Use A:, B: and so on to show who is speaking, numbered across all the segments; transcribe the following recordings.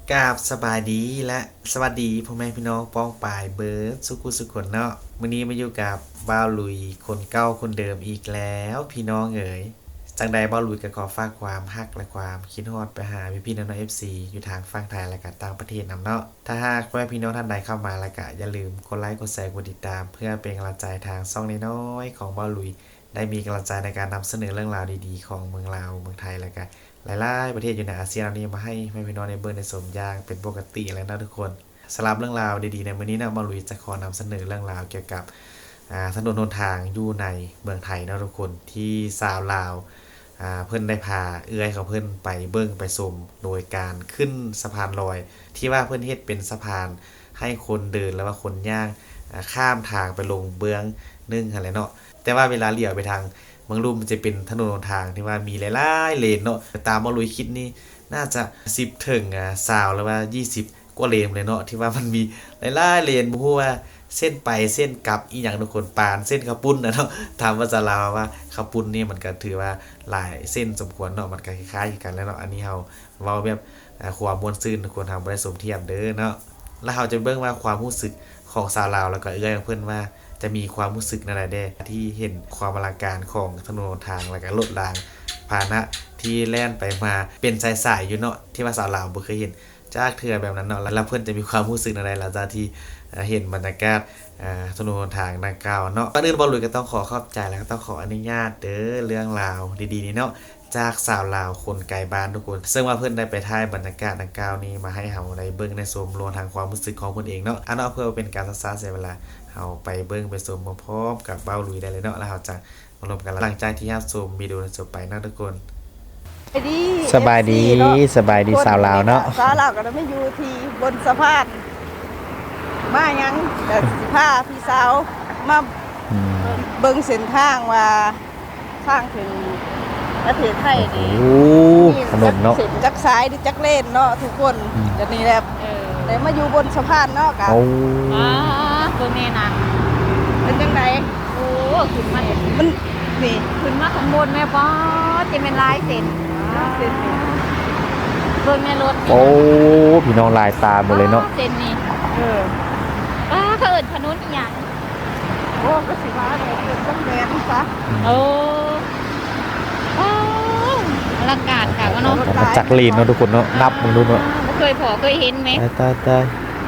A: กราบสบายดีและสวัสดีพ่อแม่พี่น้องป้องปายเบิร์ดสุกุสุขคนเนาะมื้อนี้มาอยู่กับบ้าวลุยคนเก่าคนเดิมอีกแล้วพี่น้องเอ๋ยจังใดบ้าวลุยก็ขอฝากความฮักและความคิดฮอดไปหาพี่ๆน้องๆ FC อยู่ทางฝั่งไทยและก็ต่างประเทศนำเนาะถ้าหากพ่อแม่พี่น้องท่านใดเข้ามาแล้วก็อย่าลืมกดไลค์กดแชร์กดติดตามเพื่อเป็นกำลังใจทางช่องน้อยๆของบ้าวลุยได้มีกำลังใจในการนำเสนอเรื่องราวดีๆของเมืองลาวเมืองไทยและก็หลายๆประเทศอยู่ในอาเซียนนี้มาให้แม่พี่น้องในเบิร์ในสมยางเป็นปกติแล้วนะทุกคนสำหรับเรื่องราวดีๆในมื้อนี้นะมาลุยจะขอนำเสนอเรื่องราวเกี่ยวกับถนนหนทางอยู่ในเมืองไทยนะทุกคนที่สาวลาวเพิ่นได้พาเอื้อยของเพิ่นไปเบิ่งไปชมโดยการขึ้นสะพานลอยที่ว่าเพิ่นเฮ็ดเป็นสะพานให้คนเดินแล้วว่าคนย่างข้ามทางไปลงเบื้องนึงอะไรเนาะแต่ว่าเวลาเลี้ยวไปทางเมืองลุ่มมันจะเป็นถนนหนทางที่ว่ามีหลายๆเลนเนาะตามมาลุยคิดนี่น่าจะ10ถึง20หรือว่า20กว่าเลนเลยเนาะที่ว่ามันมีหลายๆเลนบ่ฮู้ว่าเส้นไปเส้นกลับอีหยังทุกคนปานเส้นข้าวปุ้นนะเนาะถามว่าจะลาวว่าข้าวปุ้นนี่มันก็ถือว่าหลายเส้นสมควรเนาะมันก็คล้ายๆกันแล้วเนาะอันนี้เฮาเว้าแบบความม่วนซื่นทุกคนทางบ่ได้สมเทียมเด้อเนาะแล้วเฮาจะเบิ่งว่าความรู้สึกของชาวลาวแล้วก็เอื้อยของเพิ่นว่าจะมีความรู้สึกนั่นแหละเด้ที่เห็นความอลังการของถนนหนทางแล้วก็รถรางพาหนะที่แล่นไปมาเป็นสายๆอยู่เนาะที่ว่าชาวลาวบ่เคยเห็นจากเทื่อแบบนั้นเนาะแล้วเพิ่นจะมีความรู้สึกอะไรหลังจากที่เห็นบรรยากาศถนนหนทางดังกล่าวเนาะก่อนอื่นบ่ลุยก็ต้องขอขอบใจแล้วก็ต้องขออนุญาตเด้อเรื่องราวดีๆนี้เนาะจากสาวลาวคนไกลบ้านทุกคนซึ่งว่าเพิ่นได้ไปถ่ายบรรยากาศดังกล่าวนี้มาให้เฮาได้เบิ่งในชมรวมทางความรู้สึกของเพิ่นเองเนาะอันเนาะเพื่อเป็นการศึกษาเสียเวลาเฮาไปเบิ่งไปชมพร้อมๆกับเบ้าลุยได้เลยเนาะแล้วเฮาจะมาร่วมกันหลังจากที่รับชมวิดีโอจบไปนะทุกคนสบายดีสบายดีสาวลาวเนาะ
B: สาวลาวก็ได้มาอยู่ที่บนสะพานมายังแต่สิพาพี่สาวมาเบิ่งเส้นทางว่าทางถึงประเทศไทยนี่
A: ถนนเนาะ
B: เส้นจักซ้ายหรือจักเลนเนาะทุกคนเดี๋ยวนี้แหละได้มาอยู่บนสะพานเนาะกัน
C: ตัวแม่นะ
B: เป็นจังได๋
C: โอ้ขึ้นมา
B: มันนี่
C: ขึ้นมาข้างบนแม่ป้อจะเป็นลายเส้น
B: เส้นนี่
C: เบิ่งในรถ
A: โอ้พี่น้องลายตาหมดเลยเนาะ
C: เส้นนี้เขาเอิ้นถนนอีหยัง
B: โอ้ก็สิว่าเป็นจังแม่นซะ
C: โอ้อลังการค่ะว่าเนาะ
A: จักรีนเนาะทุกคนเนาะนับมึงดูเนาะ
C: เคยพอเคยเห็นไหม
A: ตาย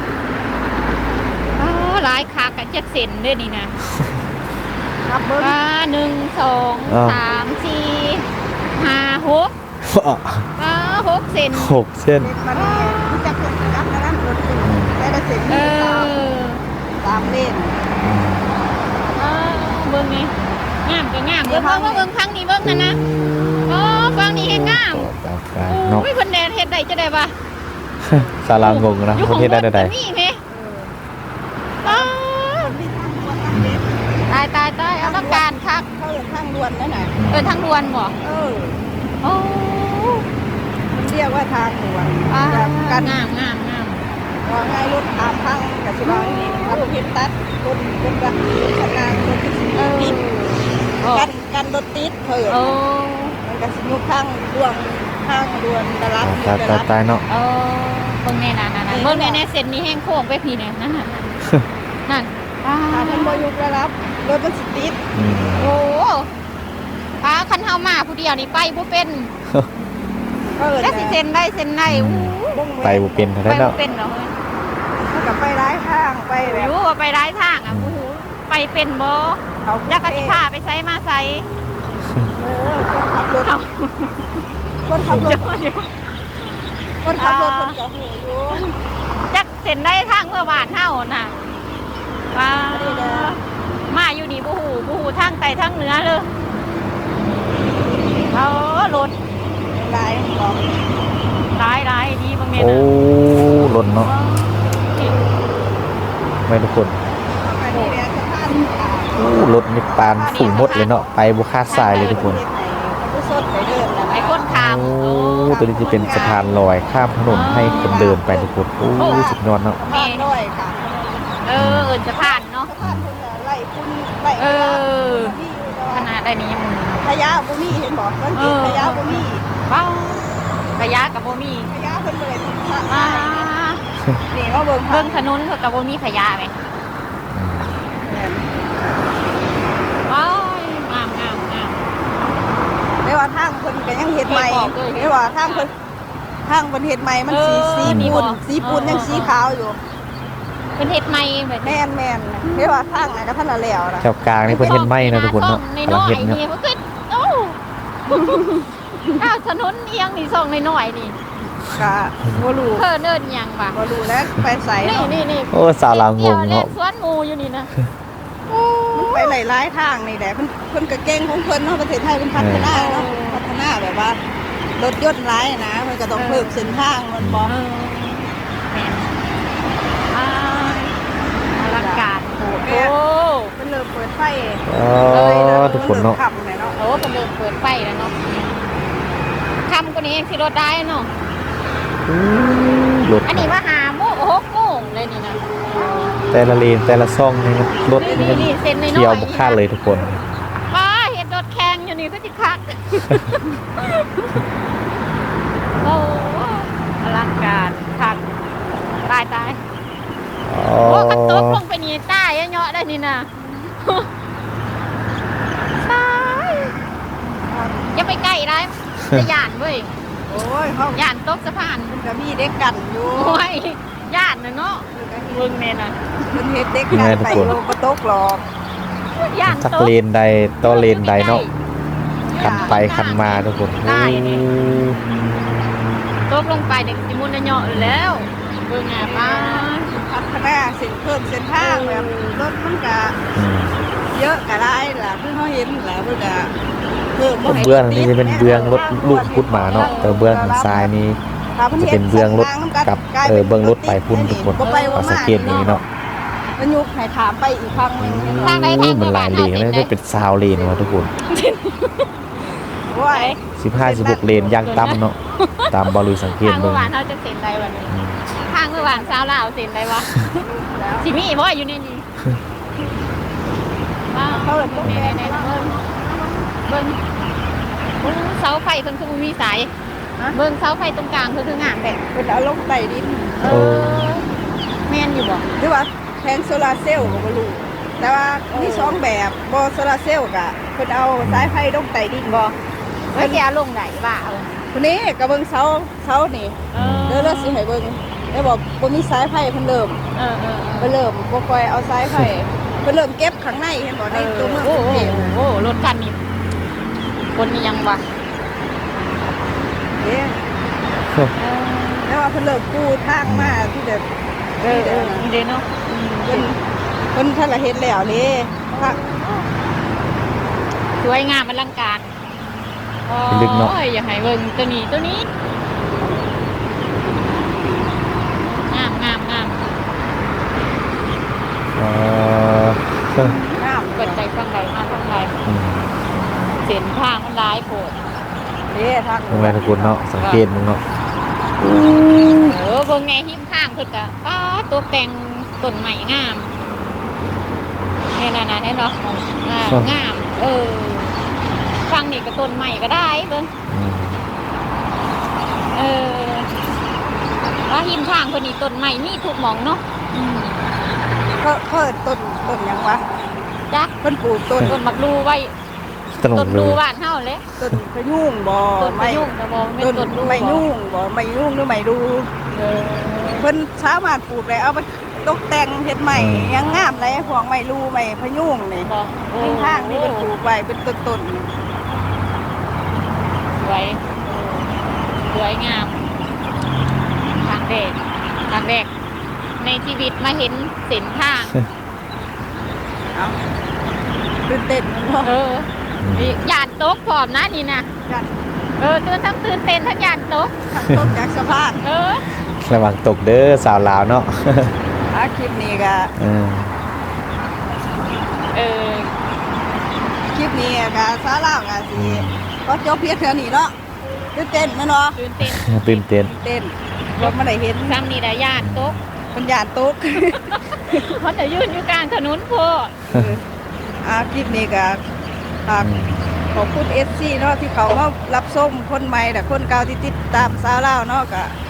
C: หลายคักจักเส้นเด้อนี่นะ
B: นับเบิ่ง
C: 1 2 3 4 5 6 6 เส้น
A: 6เส้น
B: มันจักเส้นนับนั้นรถติดแต่ละเส้นมี3เลน
C: เบิ่งนี่งามก็งามเบิ่งพังนี่เบิ่งนั่นนะฟังนี่เฮ็ดงามโอ้ยเพิ่นแดดเฮ็ดได้จะได้ป่ะ
A: ศาลางงนะเฮ็ดได้ได้
C: นี่แม่ตายเอาละการคัก
B: เขาทางด่วนนั่นน่ะ
C: ทางด่วนบ่โอ้
B: มันเรียกว่าทางด่วน
C: กันงาม
B: ว่าง่ายรถตามทางกับสิบางนี่ถ้ารถเห็นตัดรถแบบขนาดรถติดกันรถติดเพิ่นมันก็สิยุคทางด่วนตลาด
A: ตายเนาะ
C: เบิ่งแน่นั่นเบิ่งแน่เส้นนี้แห้งโค้งไปพี่เนี่ยนั่น
B: มันบ่ยุครับรถมันสิติด
C: โอ้คันเฮามาผู้เดียวนี่ไปบ่เป็นแล้วสิเซ็นได้
A: ไปบ่เป็นเท่านั้นเนาะ
C: ไปบ่เป็นเนาะ
B: มันก็ไปหลายทางไปแบบ
C: รู้ว่าไปหลายทางโอ้โหไปเป็นบ่จักก็สิพาไปไสมาไส
B: คนขับรถคนก็ฮู้อยู่
C: จักเซ็นได้ทางเมื่อบ้านเฮาน่ะมาอยู่นี่บ่ฮู้ทางใต้ทางเหนือเลยรถ
B: หลายบอก
C: หลายดีบางแม่นะ
A: โอ้รถเนาะไม่ทุกคนรถนี่ปานฝุ่งหมดเลยเนาะไปบ่คาดสายเลยทุกคน
C: ไอ้คนข้าม
A: โอ้ตัวนี้จะเป็นสะพานลอยข้ามถนนให้คนเดินไปทุกคนโอ้สุดยอดเนาะ
B: แม่ด้วยค่ะ
C: สะพานเนาะ
B: ไล่คุณไล่
C: ขนาดได้นี้ยัง
B: ขยะบ่มีเห็นบอกมันขยะบ่มี
C: ขยะกับบ่มี
B: ขยะเพิ่นบ่ได้เบิ่ง
C: เบิ่งถนนเพิ่นก็บ่มีขยะแหมว้ายงาม
B: ไม่ว่าทางเพิ่นก็ยังเฮ็ดใหม่ไม่ว่าทางเพิ่นเฮ็ดใหม่มันสีปูนยังสีขาวอยู่
C: เพิ่นเฮ็ดใหม่แบบ
B: แม่นไม่ว่าทางไหนก็ท่านละแล้วนะ
A: แถวกลางนี่เพิ่นเฮ็ดไหม้นะทุกคนเนาะ
C: ใน
A: กำ
C: น้
A: ลัง
C: อย
A: เฮ็ดเนาะ
C: นี่มันคือโอ้อ้าวถนนเอียงนี่ซ่องน้อยๆนี่
B: ก็บ่รู้
C: เพิ่นเอิ้นหยังวะ
B: บ่รู้แล้วไปใส่
C: นี่
A: โอ้สาวลาวงง
C: เล่
A: เนาะ
C: นสวนงูอยู่นี่นะ
B: มันไปหลายๆทางนี่แหละเพิ่นก็เก่งของเพิ่นเนาะประเทศไทยเพิ่นพัฒนาเนาะพัฒนาแบบว่ารถยนต์หลายนะมันก็ต้องเพิ่มเส้นทางมันบ่
C: แม่นอ่าอลังการโอ้โห
B: เพิ่นเริ่มเปิดไฟ
A: อ๋อทุกคนเนาะ
B: ค่ำเลยเนาะ
C: โอ้เป็นเริ่มเปิดไฟแล้วเนาะคำกว่านี้เองสิรถได้เนาะ
A: รถ
C: อันนี้ว่า6 โมงเลยนี่นะ
A: แต่ละเลนแต่ละซ่องนี่มันรถนี่มัน
C: นี่เส้นน้อยๆ
A: เที่ยวบ่คาดเลยทุกคน
C: ว้าเห็นรถแข่งอยู่นี่ก็จิคัก โอ้อลังการคักตาย
A: อ๋อ
C: โอ้กันตกลงไปนี่ใต้เยอะๆได้นี่นะตายอย่าไปใกล้ได้จะย่านเว้ย
B: โอ้ยเฮา
C: ย่านตกสะพาน
B: เพิ่นก็มีเด็กกันอยู่
C: โอ้ยย่านนะเนาะเบิ่งแม่น่ะ
B: เพิ่นเฮ็ดเด็กกันไปโลบ่ตกหรอก
C: ย่าน
A: จัก
C: ตก
A: เลนใดต่อเลนใดเนาะคันไปคันมาทุกคน
C: ได้นี่ ตกลงไปเด็กสิมุนเนาะแล้วเบิ่งอ่ะป้า
B: พัฒนาเส้นเพิ่มเส้นทางแบบรถมันก็
A: อืม
B: เยอะก็ได้ล่ะคือเฮาเห็นล่ะเพิ่นก็เพิ่มบ่ให้
A: เบื้องนี่จะเป็นเบื้องรถลูกพุดหมาเนาะแต่เบื้องทางซ้ายนี่ จะเป็นเบื้องรถกับเบื้องรถไปพุ่นทุกคนเอาสังเกตนี้เนาะ
B: มันยุกให้ถามไปอีกครั้งหนึง
C: ทางใดทาง
A: มันหลายเลนแล้วได้เป็นซาวเลนมาทุกคน
B: ว่า
A: 15-16 เลนย่างต่ำเนาะตามบอลุยสังเกต
C: ทาง
A: เบิ่
C: เมื่อง วานเขาจะเซ็นได้วันนี้ทางเมื่อวานสาวลาวเซ็นได้วะสิมีบ่อยู่ในนี้ว้าวเขาในเบิ่งเสาไฟเพิ่นคือบ่มีสายเบิ่งเสาไฟตรงกลางคืองามแต่
B: เป็นเอาลงใต้ดิน
C: เออแม่นอยู่บ่
B: หรือว่าแผงโซลาร์เซลล์ก็บ่รู้แต่ว่ามีสองแบบบ่โซลาร์เซลล์ก็เพิ่นเอาสายไฟลงใต้ดินบ่
C: เฮ้ยแกลงไหนบ่าเอา
B: คนนี้ก็เบิ่งเสานี่ เดี๋ยวเราสิให้เบิ่งได้บอกบ่มีสายไฟเพิ่นเริ่ม
C: เออ
B: เพิ่นเริ่มบ่ค่อยเอาสายไฟเพิ่นเริ่มเก็บข้างในเห็นบ่ในตัวเมือง
C: โอ้
B: กรุงเทพ
C: โหรถคันนี้คนนี้ยังวะ
B: เด้แล้วว่าเพิ่นเริ่มกู้ทางมาที่จะ
C: นี่เด้เนาะ
B: เพิ่นทันละเฮ็ดแล้วเด้ค่ะ
C: สวยงามอลังการ
A: ลึกเนาะ
C: โอ้ยอย่าให้เบิ่งตัวนี้งาม
B: งาม
C: กดใจฟังใดมาฟังใด
A: อืม
C: เส้นทางมันร้ายโผด
B: เด้ทาง
A: ตรงแรกทุกคนเนาะสังเกตมึงเนาะ
C: เบิ่งแง่หิมข้างเพิ่นก็ป้าตัวแต่งต้นใหม่งามนี่น่ะเห็นเนาะงามฟังนี่ก็ต้นใหม่ก็ได้เบิ่ง
A: อืม
C: ว่าหิมข้างเพิ่นนี่ต้นใหม่มีทุกหม่องเนาะ
B: เพิ่นต้นหยังวะ
C: จัก
B: เพิ่นปลูกต้น
C: ต้นมักดูไว้
A: ตล
C: ต้
A: ก
C: น
A: เล
C: ดู
A: ย
C: บ้านเฮาเลย
B: ต้นพะยุ่งบ่
C: ต้น
B: ไม่
C: ยุ่งแต่บ่แม่น
B: ต้น
C: ต้นดู
B: ไม่ยุ่งบ่ไม่ยุ่งหรือไม่ดู
C: เออ
B: เพิ่นสามารถปลูกได้เอาไปตกแต่งเฮ็ดใหม่ยังงามเลยพวกไม่รู้ไม่พะยุ่งนี่
C: บ่
B: ข้างๆนี่เพิ่นปลูกไว้เป็นต้น
C: สวยสวยงามทางแดกในชีวิตมาเห็นเส้นทาง
B: ๆเอาตื่นเต้นเนาะ
C: ย่านตกพร้อมนะนี่นะ
B: กัน
C: ตื่นทั้งตื่นเต้นทั้งย่านตก
B: ตกจากสะพาน
A: ระวังตกเด้อสาวลาวเนาะ
B: คลิปนี้ก็
A: เออ
B: คลิปนี้ก็สาระก็สิก็จบเพียงเท่านี้เนาะตื่นเต้นแม่นเนาะ
C: ตื่นเต้น
A: ตื่นเต้น
B: เต้นเราไม่ได้เห็น
C: ซ้ำนี่ได้ย่านตก
B: ปัญญาตก
C: เขาจะยืนอยู่กลางถนนโพด
B: คลิปนี้ก็ขอบคุณ FC เนาะที่เขามารับชมคนใหม่แต่คนเก่าที่ติดตามสาวลาวเนาะก็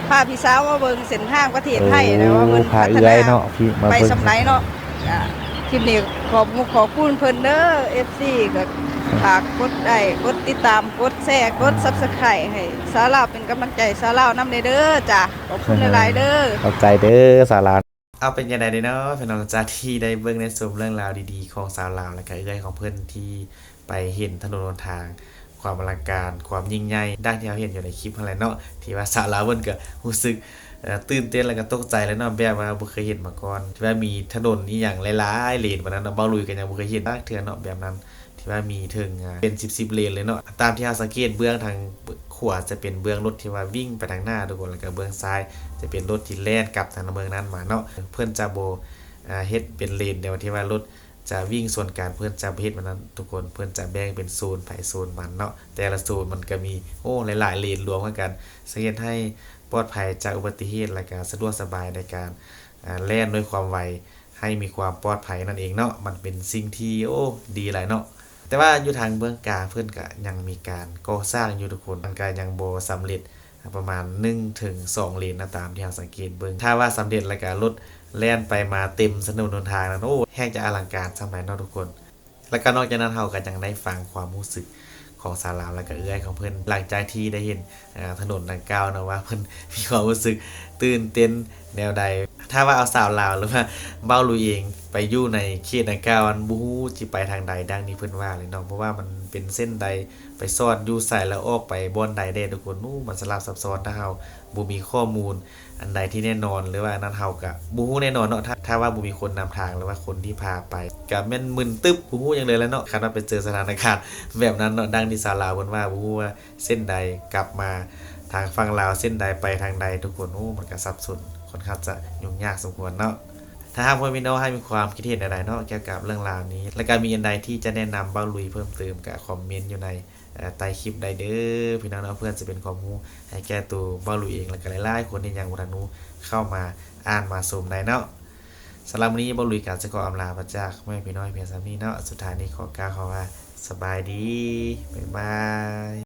B: พาพี่สาวมาเบิ่งเส้นทางประเทศไทยนะว่ามัน
D: พา
B: พัฒ
D: เอื้
B: นา
D: อยเนาะพี่มา
B: ไป
D: เบิ่ง
B: สำไหนเนาะคลิปนี้ขอบคุณเพิ่นเด้อ FC ก็ฝากกดไลค์กดติดตามกดแชร์กด Subscribe ให้สาวลาวเป็นกำลังใจสาวลาวนำเด้อจ้ะขอบคุณหลายๆเด้อ
D: เข้าใจเด้อสารา
A: เอาเป็นยังไงเด้เนาะพี่น้องจากที่ได้เบิ่งในชมเรื่องราวดีๆของสาวลาวและก็เอื้อยของเพิ่นที่ไปเห็นถนนหนทาง ความอลังการความยิ่งใหญ่ดังที่เราเห็นอยู่ในคลิปนั่นแหละเนาะที่ว่าสาวลาวเพิ่นก็รู้สึกตื่นเต้นแล้วก็ตกใจแล้วเนาะแบบว่าบ่เคยเห็นมาก่อนที่ว่ามีถนนอีหยังหลายๆเลนบัดนั้นเนาะเบ้าลุยก็ยังบ่เคยเห็นเทื่อเนาะแบบนั้นที่ว่ามีถึงเป็น10เลนเลยเนาะตามที่เราสังเกตเบื้องทางขวาจะเป็นเบื้องรถที่ว่าวิ่งไปทางหน้าทุกคนแล้วก็เบื้องซ้ายจะเป็นรถที่แล่นกลับทางเมืองนั้นมาเนาะเพิ่นจะบ่เฮ็ดเป็นเลนเดียวที่ว่ารถจะวิ่งส่วนการเพื่อนจะเฮ็ดมันนั้นทุกคนเพื่อนจะแบ่งเป็นโซนไผโซนมันเนาะแต่ละโซนมันก็มีหลายๆเลนรวมกันสังเกตให้ปลอดภัยจากอุบัติเหตุและก็สะดวกสบายในการแล่นด้วยความไวให้มีความปลอดภัยนั่นเองเนาะมันเป็นสิ่งที่ดีหลายเนาะแต่ว่าอยู่ทางเบื้องกลางเพื่อนก็ยังมีการก่อสร้างอยู่ทุกคนมันก็ยังบ่สำเร็จประมาณ1ถึง2เลนนะตามที่เราสังเกตเบิ่งถ้าว่าสำเร็จแล้วก็รถแล่นไปมาเต็มถนนหนทางนั้นแห้งจะอลังการสมัยเนาะทุกคน แล้วก็นอกจากนั้นเราก็ยังได้ฟังความรู้สึกของสาวลาวและก็เอื้อยของเพิ่นหลังจากที่ได้เห็นถนนดังกล่าวนะว่าเพิ่นมีความรู้สึกตื่นเต้นแนวใด ถ้าว่าเอาสาวลาวหรือว่าเบ้าลุยเองไปอยู่ในเขตดังกล่าวมันบ่ฮู้สิไปทางใดดังนี้เพิ่นว่าเลยเนาะเพราะว่ามันเป็นเส้นใดไปซอดอยู่ไสแล้วออกไปบ่อนใดได้ทุกคนมันสลับซับซ้อนถ้าเฮาบ่มีข้อมูลอันใดที่แน่นอนหรือว่านั้นเฮาก็บ่ฮู้แน่นอนเนาะถ้าว่าบ่มีคนนำทางหรือว่าคนที่พาไปก็แม่นมึนตึ๊บบ่ฮู้หยังเลยแล้วเนาะคันว่าไปเจอสถานการณ์แบบนั้นเนาะดังที่สาวลาวเพิ่นว่าบ่ฮู้ว่าเส้นใดกลับมาทางฝั่งลาวเส้นใดไปทางใดทุกคนมันก็สับสนค่อนข้างจะยุ่งยากสมควรเนาะถ้าหากว่าพี่น้องให้มีความคิดเห็นใดๆเนาะเกี่ยวกับเรื่องราวนี้และก็มีอันใดที่จะแนะนำเบ้าลุยเพิ่มเติมก็คอมเมนต์อยู่ในใต้คลิปได้เด้อพี่น้องเนาะเพื่อนจะเป็นความรู้ให้แก่ตัวเบ้าลุยเองและก็หลายๆคนที่ยังบ่ทันรู้เข้ามาอ่านมาชมได้เนาะสำหรับวันนี้เบ้าลุยก็จะขออำลาพระจากแม่พี่น้อยเพียงสามีเนาะสุดท้ายนี้ขอกล่าวคำว่าสบายดีบ๊ายบาย